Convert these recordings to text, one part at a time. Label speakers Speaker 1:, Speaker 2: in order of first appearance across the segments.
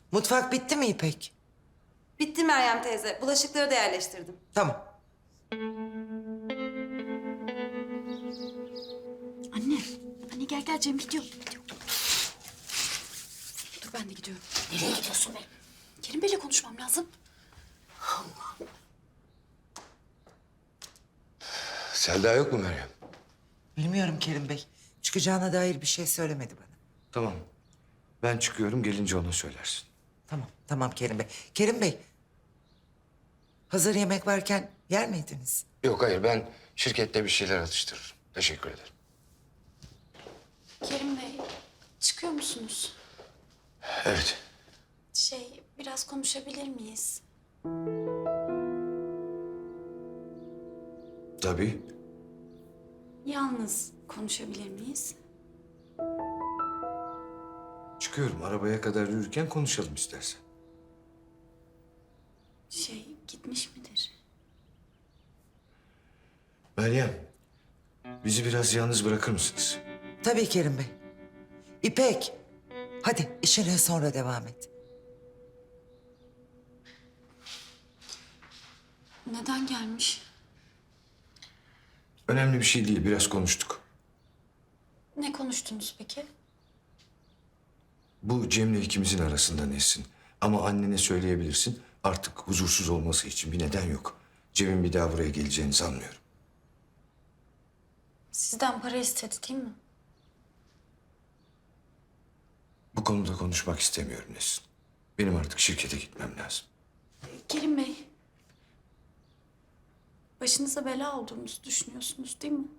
Speaker 1: Mutfak bitti mi İpek?
Speaker 2: Bitti Meryem teyze. Bulaşıkları da yerleştirdim.
Speaker 1: Tamam.
Speaker 3: Anne, anne gel Cem gidiyor. Dur ben de gidiyorum.
Speaker 4: Nereye gidiyorsun be?
Speaker 3: Kerim Bey'le konuşmam lazım.
Speaker 5: Selda yok mu Meryem?
Speaker 1: Bilmiyorum Kerim Bey. Çıkacağına dair bir şey söylemedi bana.
Speaker 5: Tamam. Ben çıkıyorum, gelince ona söylersin.
Speaker 1: Tamam Kerim Bey. Kerim Bey, hazır yemek varken yer miydiniz?
Speaker 5: Yok hayır, ben şirkette bir şeyler atıştırırım. Teşekkür ederim.
Speaker 3: Kerim Bey, çıkıyor musunuz?
Speaker 5: Evet.
Speaker 3: Biraz konuşabilir miyiz?
Speaker 5: Tabii.
Speaker 3: Yalnız konuşabilir miyiz?
Speaker 5: Çıkıyorum. Arabaya kadar yürürken konuşalım istersen.
Speaker 3: Gitmiş midir?
Speaker 5: Meryem, bizi biraz yalnız bırakır mısınız?
Speaker 1: Tabii Kerim Bey. İpek, hadi işine sonra devam et.
Speaker 3: Neden gelmiş?
Speaker 5: Önemli bir şey değil, biraz konuştuk.
Speaker 3: Ne konuştunuz peki?
Speaker 5: Bu Cem'le ikimizin arasında Nesin. Ama annene söyleyebilirsin. Artık huzursuz olması için bir neden yok. Cem'in bir daha buraya geleceğini sanmıyorum.
Speaker 3: Sizden para istedi değil mi?
Speaker 5: Bu konuda konuşmak istemiyorum Nesin. Benim artık şirkete gitmem lazım.
Speaker 3: Kerim Bey, başınıza bela olduğumuzu düşünüyorsunuz değil mi?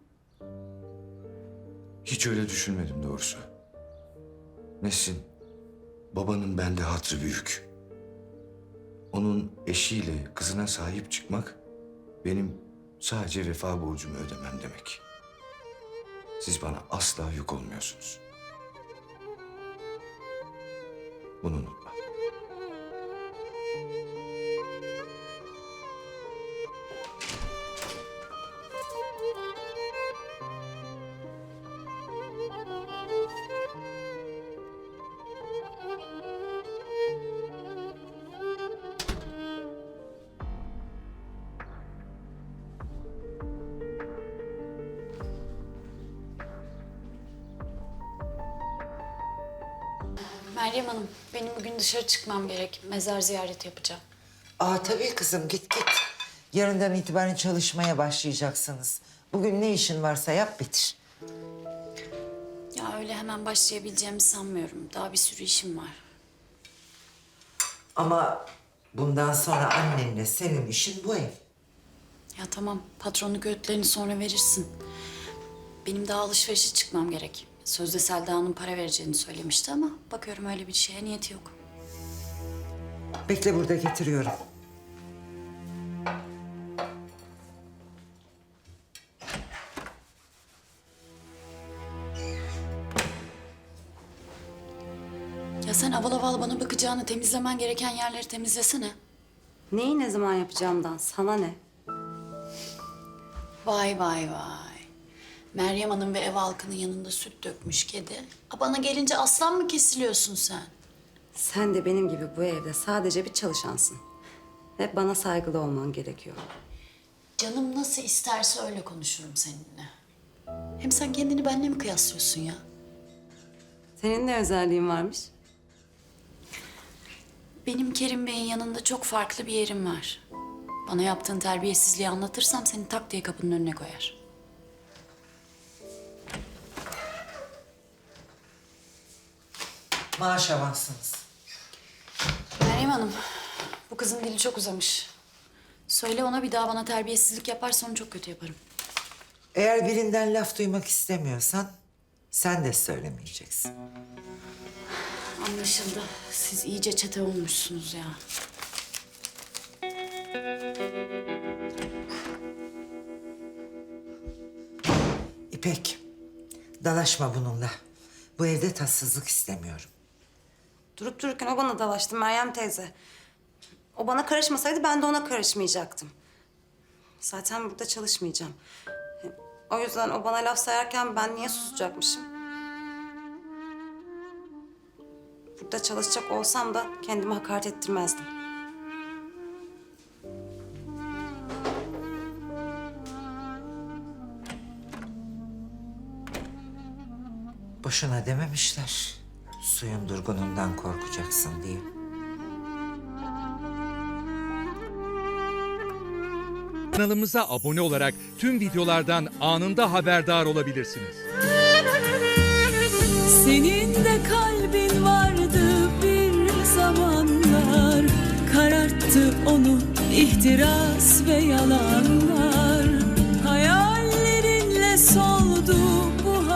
Speaker 5: Hiç öyle düşünmedim doğrusu. Nesin, babanın bende hatrı büyük. Onun eşiyle kızına sahip çıkmak benim sadece vefa borcumu ödemem demek. Siz bana asla yük olmuyorsunuz. Bunu unutma.
Speaker 3: Meryem Hanım, benim bugün dışarı çıkmam gerek. Mezar ziyareti yapacağım.
Speaker 1: Tabii kızım git. Yarından itibaren çalışmaya başlayacaksınız. Bugün ne işin varsa yap bitir.
Speaker 3: Ya öyle hemen başlayabileceğimi sanmıyorum. Daha bir sürü işim var.
Speaker 1: Ama bundan sonra annenle senin işin bu ev.
Speaker 3: Ya tamam, patronluk öğütlerini sonra verirsin. Benim daha alışverişe çıkmam gerek. Sözde Selda Hanım para vereceğini söylemişti ama bakıyorum öyle bir şeye niyeti yok.
Speaker 1: Bekle burada getiriyorum.
Speaker 3: Ya sen aval aval bana bakacağını, temizlemen gereken yerleri temizlesene.
Speaker 2: Neyi ne zaman yapacağımdan sana ne?
Speaker 3: Vay vay vay. Meryem Hanım ve ev halkının yanında süt dökmüş kedi. Bana gelince aslan mı kesiliyorsun sen?
Speaker 2: Sen de benim gibi bu evde sadece bir çalışansın. Ve bana saygılı olman gerekiyor.
Speaker 3: Canım nasıl isterse öyle konuşurum seninle. Hem sen kendini benimle mi kıyaslıyorsun ya?
Speaker 2: Senin ne özelliğin varmış?
Speaker 3: Benim Kerim Bey'in yanında çok farklı bir yerim var. Bana yaptığın terbiyesizliği anlatırsam seni tak diye kapının önüne koyar.
Speaker 1: Maaş avansınız.
Speaker 3: Meryem Hanım, bu kızın dili çok uzamış. Söyle ona bir daha bana terbiyesizlik yaparsa onu çok kötü yaparım.
Speaker 1: Eğer birinden laf duymak istemiyorsan sen de söylemeyeceksin.
Speaker 3: Anlaşıldı. Siz iyice çete olmuşsunuz ya.
Speaker 1: İpek, dalaşma bununla. Bu evde tatsızlık istemiyorum.
Speaker 2: Durup dururken o bana dalaştı Meryem teyze. O bana karışmasaydı ben de ona karışmayacaktım. Zaten burada çalışmayacağım. O yüzden o bana laf sayarken ben niye susacakmışım? burada çalışacak olsam da kendimi hakaret ettirmezdim.
Speaker 1: Boşuna dememişler. Suyun durgunundan korkacaksın diye.
Speaker 4: Kanalımıza abone olarak tüm videolardan anında haberdar olabilirsiniz.
Speaker 6: Senin de kalbin vardı bir zamanlar, kararttı onu ihtiras ve yalanlar.